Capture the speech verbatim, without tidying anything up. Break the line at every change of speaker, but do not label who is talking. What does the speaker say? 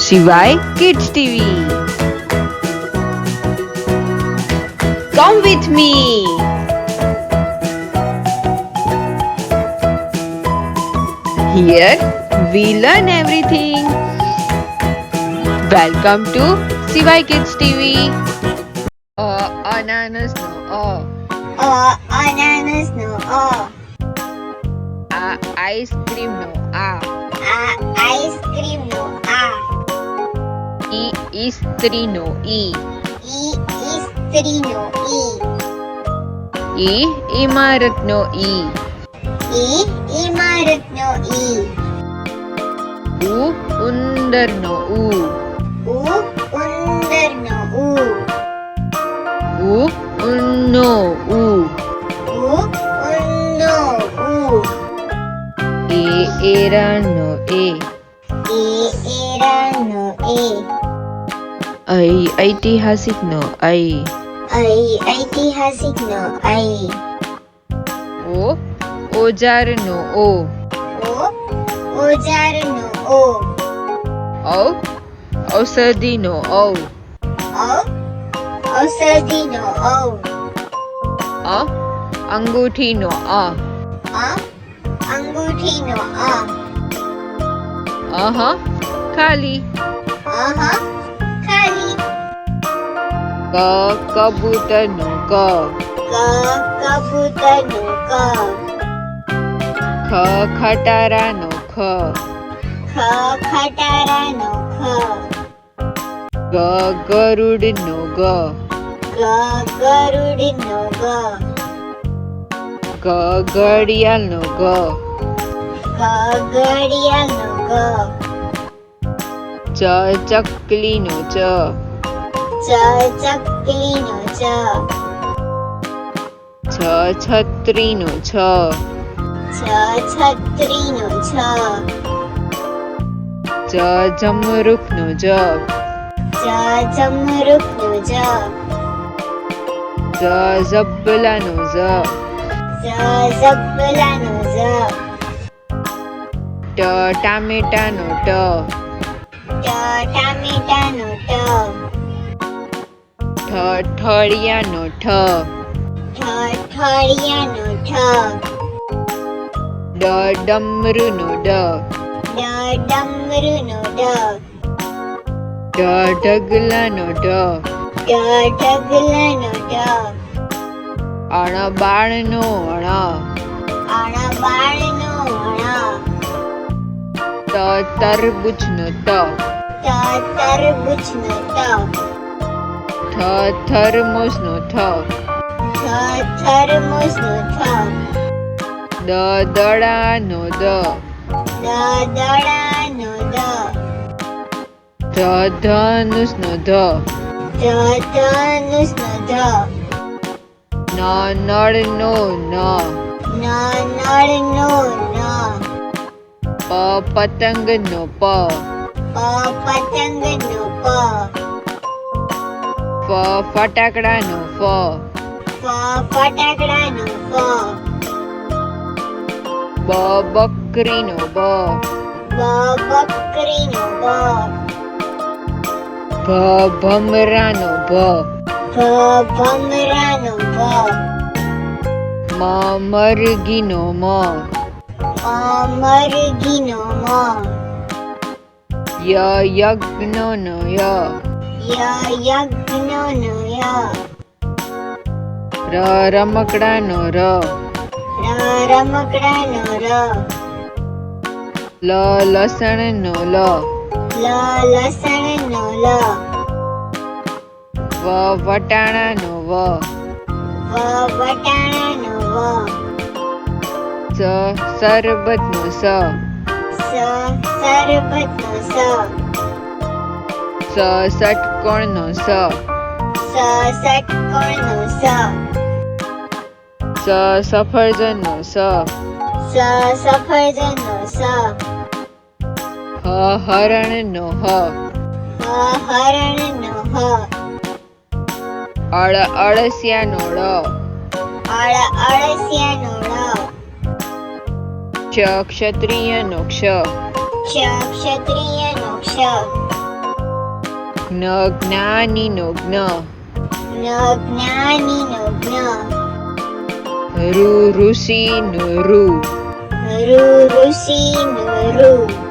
Shivai Kids T V. Come with me. Here we learn everything. Welcome to Shivai Kids T V. A ananas no a.
A ananas no a.
A ice cream no a.
A ice cream no a.
E istri no e.
E istri no e.
E imarat no e.
E imarat no e.
U undar no u.
U undar no u.
U unno u.
U unno u.
E eran no e.
E era no e.
I ऐतिहासिक no I.
I ऐतिहासिक no I.
O औजार no o.
O औजार no o.
औ औषधि no औ.
औ औषधि no औ.
अ अंगूठी no अ.
अ अंगूठी no अ.
अह खाली.
अह खाली.
क कबूतर no क.
क कबूतर no क.
ख खटारा no ख.
ख खटारा no ख.
ग गरुड़ no ग.
ग गरुड़ no ग.
ग घड़ियाल no ग.
ग घड़ियाल no ग.
च चकली no च.
च चकली no च.
छ छतरी no छ.
छ छतरी no छ.
ज जमरुक no ज.
ज जमरुक no ज.
ज जबला no ज.
ज जबला no ज.
ट टामेटा no ट.
ट टामेटा no ट.
ठ ठड़िया no ठ.
ठ ठड़िया no ठ.
ड डमरू no ड.
ड डमरू no ड.
ढ ढगला no ढ.
ड ढगला no ड.
अण बाळ no अण.
अण बाळ no अण.
त तरबूज no त.
त तरबूज no त.
थ थर्मोस no थ.
थ थर्मोस no थ.
द दड़ा no द.
द दड़ा no द.
ध धनुष no ध.
ध धनुष no ध.
न नळ no न.
न नळ no न.
प पतंग no प.
प पतंग no प.
फ फटाकड़ा no फ.
फ फटाकड़ा no फ.
ब बकरी no ब.
ब बकरी no ब.
भ भमरा no भ.
भ भमरा no भ.
म मरगी no म.
म मरगी no म.
य यज्ञ no य.
य यज्ञ no य.
र रमकड़ा no र.
र रमकड़ा no र.
ल लसण no ल.
ल लसण no ल.
व वटाणा no व.
व वटाणा no व.
स सरबत no स.
स सरबत no स.
स षटकोण no स.
स षटकोण no स.
स सफरजन no स.
स सफरजन no स.
ह हरण no ह.
ह हरण no ह.
अळ अळसिया no ळ.
अळ अळसिया no ळ.
क्ष क्षत्रिय नो क्ष.
क्ष क्षत्रिय नो क्ष.
જ્ઞ જ્ઞાની નો જ્ઞ.
ન જ્ઞાની નો જ્ઞ.
ઋ ઋષિ નો ઋ.
ઋ ઋષિ નો ઋ.